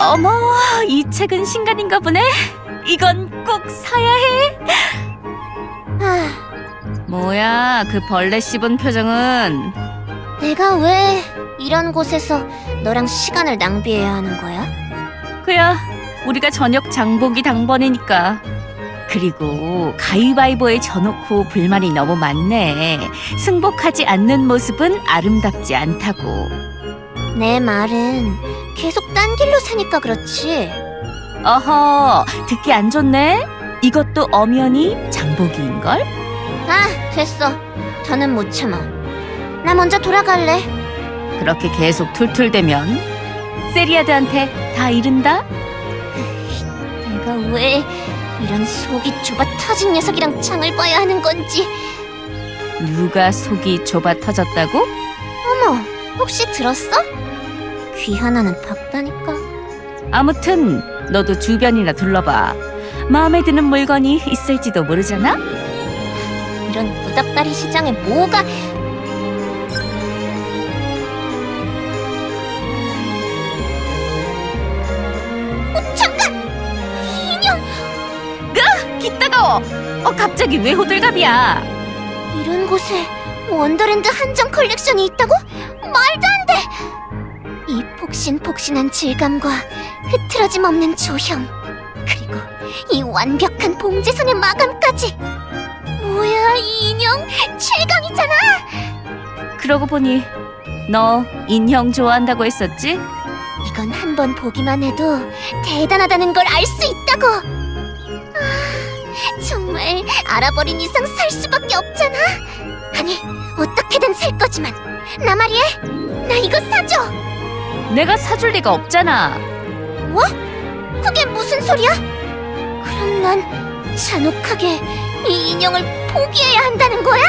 어머, 이 책은 신간인가 보네. 이건 꼭 사야 해. 뭐야, 그 벌레 씹은 표정은. 내가 왜 이런 곳에서 너랑 시간을 낭비해야 하는 거야? 그야, 우리가 저녁 장보기 당번이니까. 그리고 가위바위보에 져놓고 불만이 너무 많네. 승복하지 않는 모습은 아름답지 않다고. 내 말은 계속 딴 길로 사니까 그렇지. 어허, 듣기 안 좋네? 이것도 엄연히 장보기인걸? 아, 됐어. 더는 못 참아. 나 먼저 돌아갈래. 그렇게 계속 툴툴대면 세리아드한테 다 이른다? 내가 왜 이런 속이 좁아 터진 녀석이랑 장을 봐야 하는 건지. 누가 속이 좁아 터졌다고? 어머, 혹시 들었어? 귀 하나는 박다니까. 아무튼 너도 주변이나 둘러봐. 마음에 드는 물건이 있을지도 모르잖아? 이런 구닥다리 시장에 뭐가... 잠깐! 인형! 기 따가워! 갑자기 왜 호들갑이야? 이런 곳에 원더랜드 한정 컬렉션이 있다고? 말도 안 돼! 이 폭신폭신한 질감과 흐트러짐 없는 조형, 그리고 이 완벽한 봉제선의 마감까지. 뭐야, 이 인형 최강이잖아! 그러고 보니 너 인형 좋아한다고 했었지? 이건 한 번 보기만 해도 대단하다는 걸 알 수 있다고! 정말 알아버린 이상 살 수밖에 없잖아. 아니, 어떻게든 살 거지만 나 말이야, 나 이거 사줘. 내가 사줄 리가 없잖아. 뭐? 그게 무슨 소리야? 그럼 난 잔혹하게 이 인형을 포기해야 한다는 거야?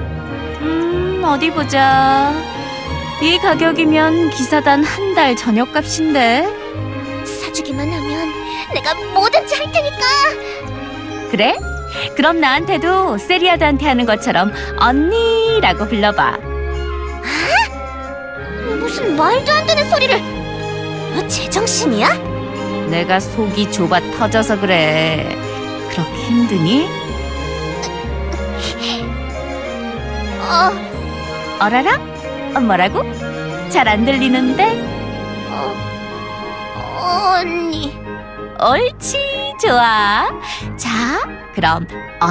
어디 보자. 이 가격이면 기사단 한 달 저녁값인데. 사주기만 하면 내가 뭐든지 할 테니까. 그래? 그럼 나한테도 세리아드한테 하는 것처럼 언니라고 불러봐. 무슨 말도 안 되는 소리를. 너 제정신이야? 내가 속이 좁아 터져서 그래. 그렇게 힘드니? 어라라? 뭐라고? 잘 안 들리는데? 언니. 옳지, 좋아. 자, 그럼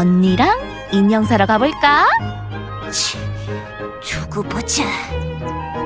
언니랑 인형 사러 가볼까? 치, 두고 보자.